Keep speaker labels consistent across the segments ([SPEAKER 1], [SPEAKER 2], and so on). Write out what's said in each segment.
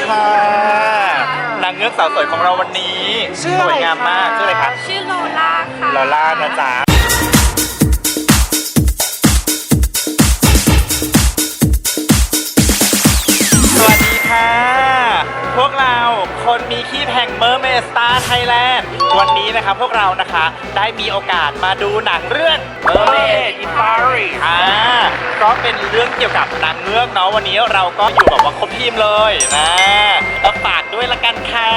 [SPEAKER 1] ค่ะนางเงือกสาวสวยของเราวันนี้สวยงามมากชื่ออะไรคะ
[SPEAKER 2] ชื่อโลล่าค่ะ
[SPEAKER 1] โลล่านะจ๊ะสวัสดีค่ะพวกเราคนมีขี้แห่งเมอร์เมดสตาร์ไทยแลนด์วันนี้นะคะพวกเรานะคะได้มีโอกาสมาดูหนังเรื่อง Mermaid in Paris ก็เป็นเรื่องเกี่ยวกับนางเงือกเนาะวันนี้เราก็อยู่แบบว่าครบทีมเลยนะแล้วฝากด้วยละกันค่ะ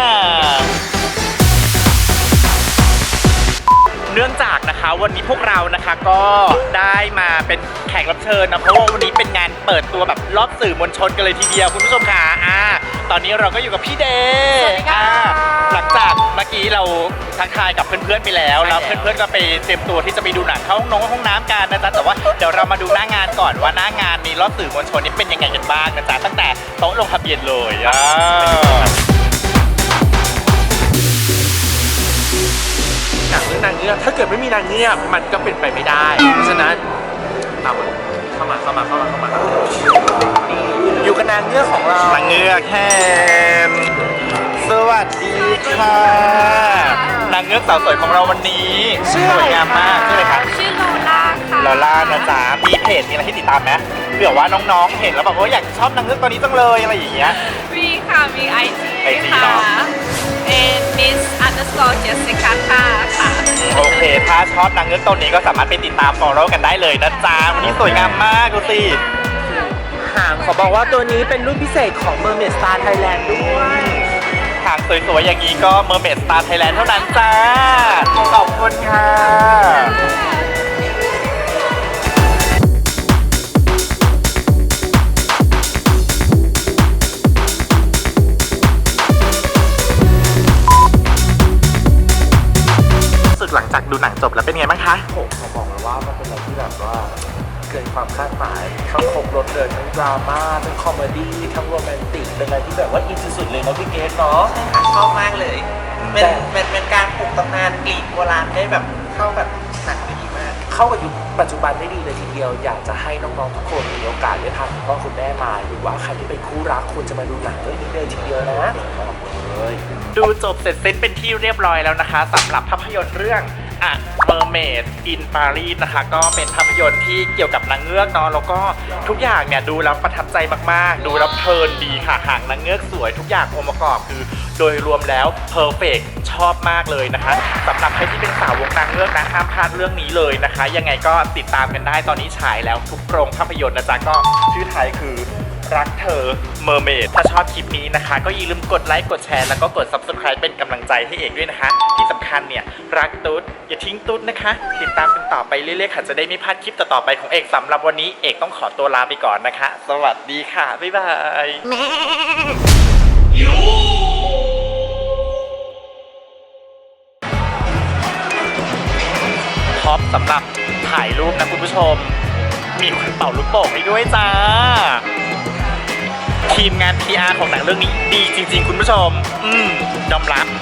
[SPEAKER 1] เนื่องจากนะคะวันนี้พวกเรานะคะก็ได้มาเป็นแขกรับเชิญนะเพราะว่าวันนี้เป็นงานเปิดตัวแบบรอบสื่อมวลชนกันเลยทีเดียวคุณผู้ชมค่ะตอนนี้เราก็อยู่กับพี่เดย์หลังจากเมื่อกี้เราทักทายกับเพื่อนๆไปแล้วเพื่อนๆก็ไปเตรียมตัวที่จะไปดูหนังเข้าห้องน้ำกันนะจ๊ะแต่ว่าเดี๋ยวเรามาดูหน้างานก่อนว่าหน้างานมีรอบสื่อมวลชนนี้เป็นยังไงกันบ้างนะจ๊ะตั้งแต่โต๊ะลงทะเบียนเลย
[SPEAKER 3] หนังเรื่องนางเงือกถ้าเกิดไม่มีนางเงือกมันก็เป็นไปไม่ได้เพราะฉะนั้นเข้ามาอยู่กับนางเงือกของเรา
[SPEAKER 1] นางเงือกแฮมสวัสดีค่ะนางเงือกสาวสวยของเราวันนี้สวยงามมากชื่ออะไรคะ
[SPEAKER 2] ชื่อโลล่าค่ะ
[SPEAKER 1] โลล่านะจ๊ะมีเพจมีอะไรให้ติดตามไหมเผื่อว่าน้องๆเห็นแล้วแบบว่าอยากชอบนางเงือกตัวนี้จังเลยอะไรอย่างเงี้ย
[SPEAKER 2] มีค่ะมี IG ค่ะMiss_Jessica ค่ะ
[SPEAKER 1] โอเคถ้าชอบนางเงือกตัวนี้ก็สามารถไปติดตาม follow กันได้เลยนะจ๊ะวันนี้สวยงามมากดูสิ
[SPEAKER 3] หางขอบอกว่าตัวนี้เป็นรุ่นพิเศษของ Mermaid Star Thailand ด้วย
[SPEAKER 1] หางสวยๆอย่างนี้ก็ Mermaid Star Thailand เท่านั้นจ้าขอบคุณค่ะหลังจากดูหนังจบแล้วเป็นไงบ้างคะ
[SPEAKER 3] ผมขอบอกเลยว่ามันเป็นอะไรที่แบบว่าเกินความคาดหมายทั้งครบรถเลยทั้งดราม่าทั้งคอมเมดี้ทั้งโรแมนติกเป็นอะไรที่แบบว่าอินสุดๆเลยนะพี่เกสเนาะ
[SPEAKER 4] ชอบมากเลยเป็นการปลุกตำนานกรีกโบราณได้แบบเข้าแบบหนังได้ดีมาก
[SPEAKER 3] เข้ากับยุคปัจจุบันได้ดีเลยทีเดียวอยากจะให้น้องๆทุกคนมีโอกาสได้พาคุณพ่อคุณแม่มาหรือว่าใครที่เป็นคู่รักควรจะมาดูหนังเรื่องนี้เลยทีเดียวนะ
[SPEAKER 1] ดูจบเสร็จสิ้นเป็นที่เรียบร้อยแล้วนะคะสำหรับภาพยนตร์เรื่องMermaid in Paris นะคะก็เป็นภาพยนตร์ที่เกี่ยวกับนางเงือกเนาะแล้วก็ทุกอย่างเนี่ยดูแล้วประทับใจมากๆดูแล้วเพลินดีค่ะหางนางเงือกสวยทุกอย่างองค์ประกอบคือโดยรวมแล้วเพอร์เฟกต์ชอบมากเลยนะคะสำหรับใครที่เป็นสาวกนางเงือกนะห้ามพลาดเรื่องนี้เลยนะคะยังไงก็ติดตามกันได้ตอนนี้ฉายแล้วทุกโรงภาพยนตร์นะจ๊ะก็ชื่อไทยคือรักเธอ Mermaid ถ้าชอบคลิปนี้นะคะก็อย่าลืมกดไลค์กดแชร์แล้วก็กด Subscribe เป็นกำลังใจให้เอกด้วยนะคะที่สำคัญเนี่ยรักตุ๊ดอย่าทิ้งตุ๊ดนะคะติดตามกันต่อไปเรื่อยๆค่ะจะได้ไม่พลาดคลิปต่อๆไปของเอกสำหรับวันนี้เอกต้องขอตัวลาไปก่อนนะคะสวัสดีค่ะบ๊ายบายท็อปสำหรับถ่ายรูปนะคุณผู้ชมมีคนเป่าลูกโป่งให้ด้วยจ้าทีมงาน PR ของหนังเรื่องนี้ดีจริงๆคุณผู้ชมยอมรับ